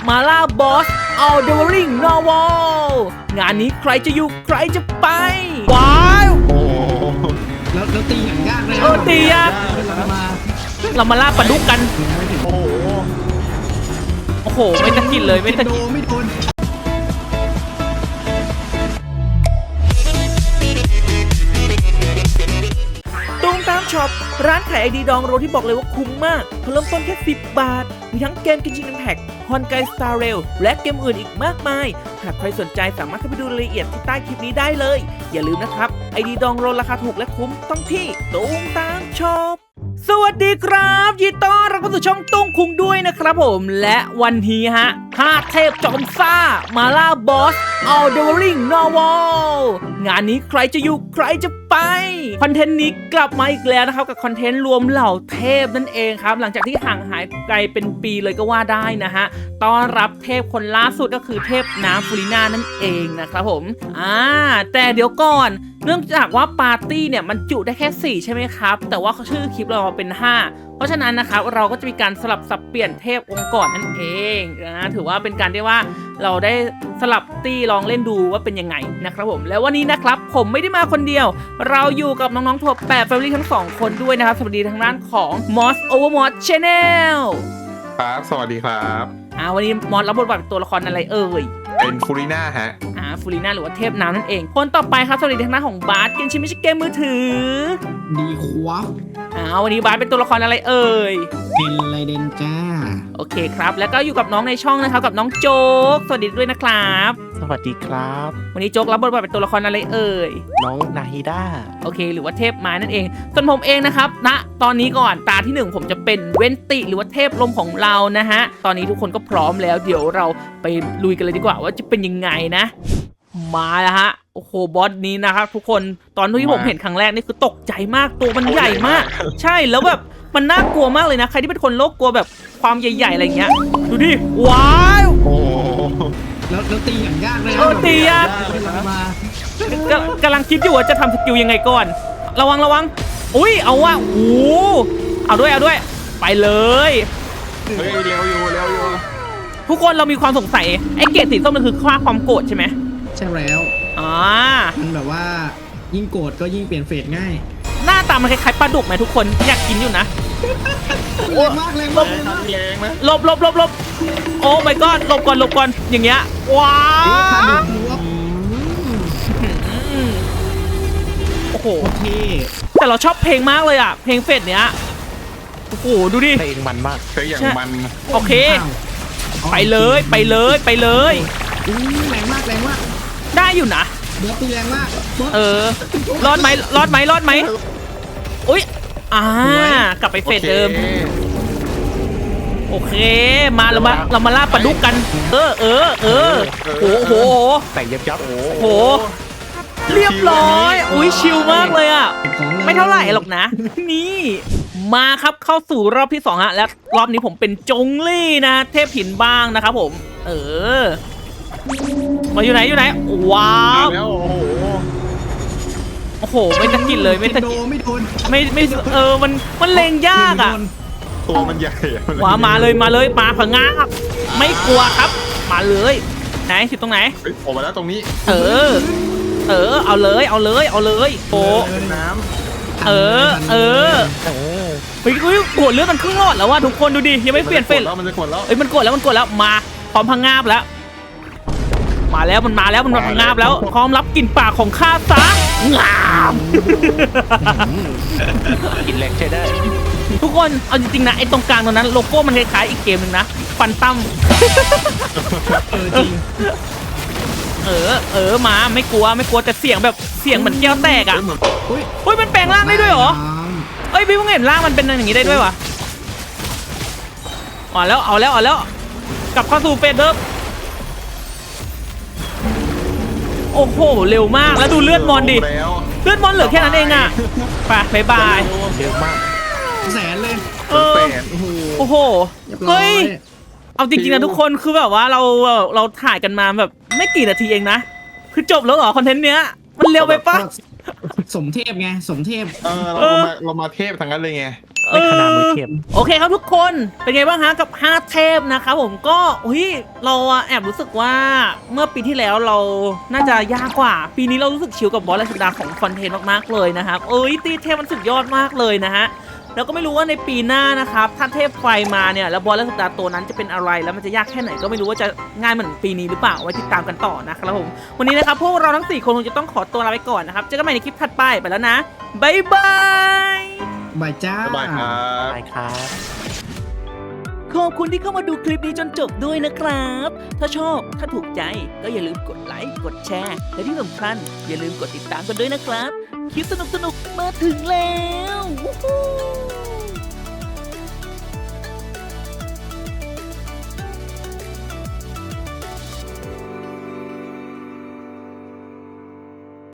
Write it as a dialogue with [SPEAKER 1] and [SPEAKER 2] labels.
[SPEAKER 1] มาล่าบอสเอาเดวริงนอวอลงานนี้ใครจะอยู่ใครจะไปว้าว
[SPEAKER 2] โอ้โห
[SPEAKER 3] แล้วตีอย่างยากเลย
[SPEAKER 1] ตียาก เรามาล่าปลาดุกกัน
[SPEAKER 2] โอ้โห
[SPEAKER 1] โอ้โหไม่ตะกินเลยไม่ตะกิน
[SPEAKER 3] ไม่โดน
[SPEAKER 1] ตูมตามช็อปร้านขายไอดีดองโรที่บอกเลยว่าคุ้มมากเริ่มต้นแค่10 บาทมีทั้งเกมกินชิงแพ็กฮอนไกสตาร์เรลและเกมอื่นอีกมากมายหากใครสนใจสามารถเข้าไปดูรายละเอียดที่ใต้คลิปนี้ได้เลยอย่าลืมนะครับไอดีดองโรราคาถูกและคุ้มต้องที่ตูมตามช็อปสวัสดีครับยินดีต้อนรับเข้าสู่ช่องตุ้งคุงด้วยนะครับผมและวันนี้ฮะ5 เทพจอมซ่ามาล่าบอสเอาเดวริงนอวอลงานนี้ใครจะอยู่ใครจะไปคอนเทนต์นี้กลับมาอีกแล้วนะครับกับคอนเทนต์รวมเหล่าเทพนั่นเองครับหลังจากที่ห่างหายไกลเป็นปีเลยก็ว่าได้นะฮะต้อนรับเทพคนล่าสุดก็คือเทพน้ำฟูริน่านั่นเองนะครับผมแต่เดี๋ยวก่อนเนื่องจากว่าปาร์ตี้เนี่ยมันจุได้แค่4ใช่ไหมครับแต่ว่าชื่อคลิปเราเป็น5เพราะฉะนั้นนะครับเราก็จะมีการสลับสับเปลี่ยนเทพองค์ก่อนนั่นเองนะถือว่าเป็นการที่ว่าเราได้สลับตี้ลองเล่นดูว่าเป็นยังไงนะครับผมแล้ววันนี้นะครับผมไม่ได้มาคนเดียวเราอยู่กับน้องๆทั่ว8 Family ทั้ง2คนด้วยนะครับสวัสดีทางด้านของ Moss Overmod Channel
[SPEAKER 2] ครับสวัสดีครับ
[SPEAKER 1] วันนี้มอสรับบทบาทเป็นตัวละครอะไรเอ่ย
[SPEAKER 2] เป็นฟูริน่าฮะ
[SPEAKER 1] ฟูริน่าหรือว่าเทพน้ำนั่นเองคนต่อไปครับสวัสดีทางด้านของบาสเกมชิไม่ใช่เกมมือถือ
[SPEAKER 3] ดีควบ
[SPEAKER 1] วันนี้บาสเป็นตัวละครอะไรเอ่ย
[SPEAKER 3] เป็นไรเดนจ้า
[SPEAKER 1] โอเคครับแล้วก็อยู่กับน้องในช่องนะครับกับน้องโจ๊กสวัสดีด้วยนะครับ
[SPEAKER 4] สวัสดีครับ
[SPEAKER 1] วันนี้โจ๊กรับบทบาทเป็นตัวละครอะไรเอ่ย
[SPEAKER 4] น้องนาฮิด้า
[SPEAKER 1] โอเคหรือว่าเทพไม้นั่นเองส่วนผมเองนะครับณตอนนี้ก่อนตาที่1ผมจะเป็นเวนติหรือว่าเทพลมของเรานะฮะตอนนี้ทุกคนก็พร้อมแล้วเดี๋ยวเราไปลุยกันเลยดีกว่าว่าจะเป็นยังไงนะมาแล้วฮะโอ้โหบอสนี้นะครับทุกคนตอนที่ผมเห็นครั้งแรกนี่คือตกใจมากตัวมันใหญ่มากใช่แล้วแบบมันน่ากลัวมากเลยนะใครที่เป็นคนโรคกลัวแบบความใหญ่ๆอะไรเงี้ยดูดิว้าว
[SPEAKER 2] โอ้
[SPEAKER 3] แล้วตีอย่างยากเลย
[SPEAKER 1] ตียากกำลังคิดอยู่ว่าจะทำสกิลยังไงก่อนระวังอุ้ยเอาว่ะโอ้เอาด้วยไปเลย
[SPEAKER 2] เฮ้ยเร็วอยู่
[SPEAKER 1] ทุกคนเรามีความสงสัยไอ้เกรดสีส้มมันคือค่าความโกรธใช่ไหม
[SPEAKER 3] ใช่แล้วมันแบบว่ายิ่งโกรธก็ยิ่งเปลี่ยนเฟสง่าย
[SPEAKER 1] หน้าตามันคล้ายๆปลาดุกไหมทุกคนอยากกินอยู่นะ
[SPEAKER 3] แรงมาก
[SPEAKER 2] แรงนะ
[SPEAKER 1] ลบโอ้ my god หลบก่อนอย่างเงี้ยว้าวโอ้โหแต่เราชอบเพลงมากเลยอ่ะเพลงเฟสเนี้ยโอ้โหดูดิ
[SPEAKER 4] เพลงมันมาก
[SPEAKER 2] เพลงอย่างมัน
[SPEAKER 1] โอเคไปเลย
[SPEAKER 3] แรงมาก
[SPEAKER 1] ได้อยู่นะ
[SPEAKER 3] บอสตีแรงมาก
[SPEAKER 1] รอดไหมอุ้ยกลับไปเฟสเดิมโอเคมาเรามาล่าปลาดุกกันโอ้โห
[SPEAKER 4] แต่ยับ
[SPEAKER 1] โอ้โหเรียบร้อยอุ้ยชิลมากเลยอ่ะไม่เท่าไหร่หรอกนะนี่มาครับเข้าสู่รอบที่2ฮะและรอบนี้ผมเป็นจงลี่นะเทพหินบ้างนะครับผมมาอยู่ไหนว้าวโอ้โหไม่ตะกินเลยไม่ตะกิน
[SPEAKER 3] ไม่โดน
[SPEAKER 1] มันเลงยากอ่ะ
[SPEAKER 2] ตัวมันใหญ่
[SPEAKER 1] มาเลยมาผงาบไม่กลัวครับมาเลยไหนสิตรงไหน
[SPEAKER 2] ออกมาแล้วตรงนี้
[SPEAKER 1] เอาเลยโอ้
[SPEAKER 2] น้ำ
[SPEAKER 1] เฮ้ยกดเลือดมันครึ่งหลอดแล้วว่ะทุกคนดูดิยังไม่เปลี่ยนเฟส
[SPEAKER 2] มันจะกดแล้ว
[SPEAKER 1] มันกดแล้วมาพร้อมพังงาบแล้วมาแล้วมันมาพังงาบแล้วพร้อมรับกลิ่นปากของข้าซะงาม
[SPEAKER 4] กินแรงใช้ได้
[SPEAKER 1] ทุกคนเอาจริงๆนะไอ้ตรงกลางตรงนั้นโลโก้มันคล้ายๆอีกเกมหนึ่งนะฟันตั้ม
[SPEAKER 3] จริง
[SPEAKER 1] มาไม่กลัวแต่เสียงแบบเสียงเหมือนแก้วแตกอ่ะอุ้ยมันแปลงร่างได้ด้วยเหรอพี่เพิ่งเห็นร่างมันเป็นอย่างนี้ได้ด้วยวะเอาแล้วกลับเข้าสู่เฟสเดิมโอ้โหเร็วมากแล้วดูเลือดมอนดิเลือดมอนเหลือแค่นั้นเองอ่ะไปบาย
[SPEAKER 4] เยอะมาก
[SPEAKER 3] แสนเลย
[SPEAKER 1] โอ้โหเฮ้ยเอาจริงๆนะทุกคนคือแบบว่าเราถ่ายกันมาแบบไม่กี่นาทีเองนะคือจบแล้วเหรอคอนเทนต์เนี้ยมันเร็วไปปะ
[SPEAKER 3] สมเทพไงสมเทพ
[SPEAKER 2] เรามาเทพทั้งนั้นเลยไง
[SPEAKER 4] ไม่ขนาดมือเทียบ
[SPEAKER 1] โอเคครับทุกคนเป็นไงบ้างฮะกับ5เทพนะครับผมก็เราแอบรู้สึกว่าเมื่อปีที่แล้วเราน่าจะยากกว่าปีนี้เรารู้สึกชิลกับบอสราชดาของคอนเทนต์มากๆเลยนะครับตีเทพมันสุดยอดมากเลยนะฮะแล้วก็ไม่รู้ว่าในปีหน้านะครับถ้าเทพไฟมาเนี่ยแล้วบอสราชดาตัวนั้นจะเป็นอะไรแล้วมันจะยากแค่ไหนก็ไม่รู้ว่าจะง่ายเหมือนปีนี้หรือเปล่าไว้ติดตามกันต่อนะครับผมวันนี้นะครับพวกเราทั้ง4คนคงจะต้องขอตัวลาไปก่อนนะครับเจอกันใหม่ในคลิปถัดไปแล้วนะบ๊ายบาย
[SPEAKER 3] บายจ้า
[SPEAKER 2] สบายครับ
[SPEAKER 4] ใช่ครับ
[SPEAKER 1] ขอบคุณที่เข้ามาดูคลิปนี้จนจบด้วยนะครับ ถ้าชอบ ถ้าถูกใจ ก็อย่าลืมกดไลค์ กดแชร์ และที่สำคัญอย่าลืมกดติดตามกันด้วยนะครับ คลิปสนุกๆ มาถึงแล้ว วู้ฮู้